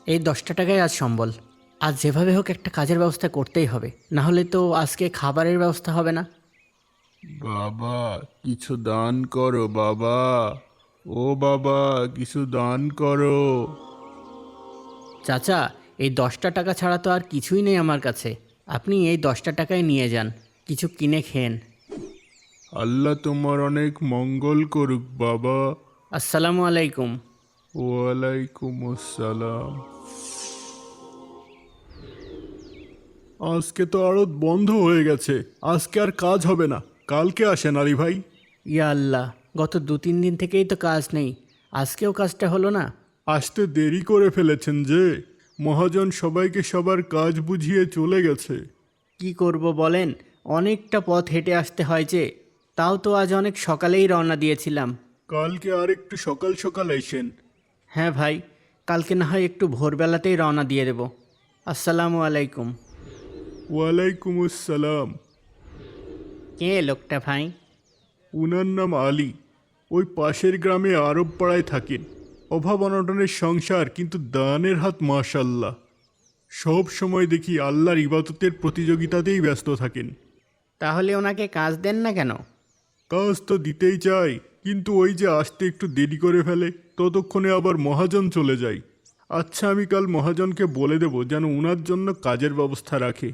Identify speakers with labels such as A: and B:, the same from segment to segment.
A: এই 10টা টাকায় আজ সম্বল। আজ যেভাবে হোক একটা কাজের ব্যবস্থা করতেই হবে, না হলে তো আজকে খাবারের ব্যবস্থা হবে না।
B: বাবা, কিছু দান করো বাবা। ও বাবা, কিছু দান করো।
A: চাচা, এই 10টা টাকা ছাড়া তো আর কিছুই নেই আমার কাছে। আপনি এই 10টা টাকায় নিয়ে যান, কিছু কিনে খেন।
B: আল্লাহ তোমার অনেক মঙ্গল করুক বাবা।
A: আসসালামু আলাইকুম।
B: ওয়ালাইকুম আসসালাম। আজকে তো আড়ত বন্ধ হয়ে গেছে, আজকে আর কাজ হবে না। কালকে আসেন আলী ভাই।
A: ইয়া আল্লাহ, গত 2-3 দিন থেকেই তো কাজ নেই, আজকেও কাজটা হলো না।
B: আসতে দেরি করে ফেলেছেন যে, মহাজন সবাইকে সবার কাজ বুঝিয়ে চলে গেছে।
A: কি করব বলেন, অনেকটা পথ হেঁটে আসতে হয় যে। তাও তো আজ অনেক সকালেই রওনা দিয়েছিলাম।
B: কালকে আর একটু সকাল সকাল এসেন।
A: হ্যাঁ ভাই, কালকে না হয় একটু ভোরবেলাতেই রওনা দিয়ে দেব। আসসালামু আলাইকুম।
B: ওয়ালাইকুম আসসালাম।
A: কে লোকটা ভাই?
B: উনার নাম আলী। ওই পাশের গ্রামে আরব পাড়ায় থাকেন। অভাব অনটনের সংসার, কিন্তু দানের হাত মাশাল্লাহ। সব সময় দেখি আল্লাহর ইবাদতের প্রতিযোগিতাতেই ব্যস্ত থাকেন।
A: তাহলে ওনাকে কাজ দেন না কেন?
B: কাজ তো দিতেই চাই, কিন্তু ওই যে আসতে একটু দেরি করে ফেলে, ততক্ষণে আবার মহাজন চলে যায়। আচ্ছা, আমি কাল মহাজনকে বলে দেব যেন উনার জন্য কাজের ব্যবস্থা রাখে।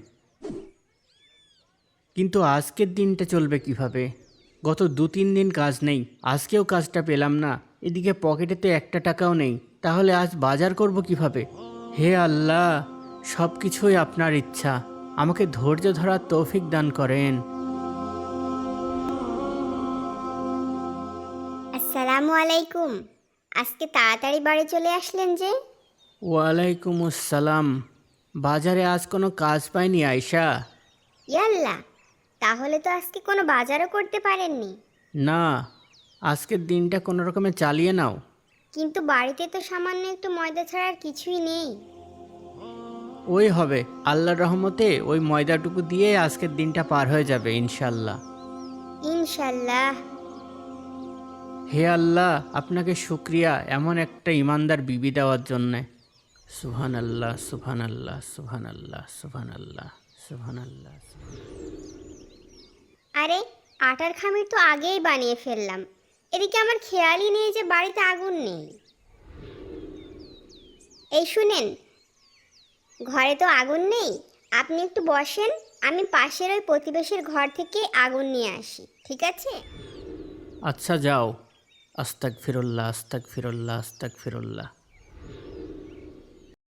A: কিন্তু আজকের দিনটা চলবে কিভাবে? গত 2-3 দিন কাজ নেই, আজকেও কাজটা পেলাম না। এদিকে পকেটে তো একটা টাকাও নেই, তাহলে আজ বাজার করব কিভাবে? হে আল্লাহ, সব কিছুই আপনার ইচ্ছা, আমাকে ধৈর্য ধরার তৌফিক দান করেন।
C: আসসালামু আলাইকুম। আজকে তাড়াতাড়ি বাড়ি চলে আসলেন যে?
A: ওয়ালাইকুম আসসালাম। বাজারে আজ কোনো কাজ পাইনি আয়শা।
C: ইয়াল্লা, তাহলে তো আজকে কোনো বাজারও করতে পারেননি।
A: না, আজকের দিনটা কোনো রকমে চালিয়ে নাও।
C: কিন্তু বাড়িতে তো সামান্য একটু ময়দা ছাড়া আর কিছুই নেই।
A: ওই হবে, আল্লাহর রহমতে ওই ময়দাটুকু দিয়ে আজকের দিনটা পার হয়ে যাবে ইনশাল্লাহ।
C: ইনশাল্লাহ।
A: হে আল্লাহ, আপনাকে শুক্রিয়া এমন একটা ইমানদার বিবি দেওয়ার জন্যে। সুবহান আল্লাহ, সুবহান আল্লাহ, সুবহান আল্লাহ, সুবহান আল্লাহ, সুবহান আল্লাহ।
C: আরে, আটার খামির তো আগেই বানিয়ে ফেললাম। এদিকে আমার খেয়ালই নেই যে বাড়িতে আগুন নেই। এই শুনেন, ঘরে তো আগুন নেই, আপনি একটু বসেন, আমি পাশের ওই প্রতিবেশীর ঘর থেকে আগুন নিয়ে আসি, ঠিক আছে?
A: আচ্ছা যাও। আস্তাগফিরুল্লাহ, আস্তাগফিরুল্লাহ, আস্তাগফিরুল্লাহ।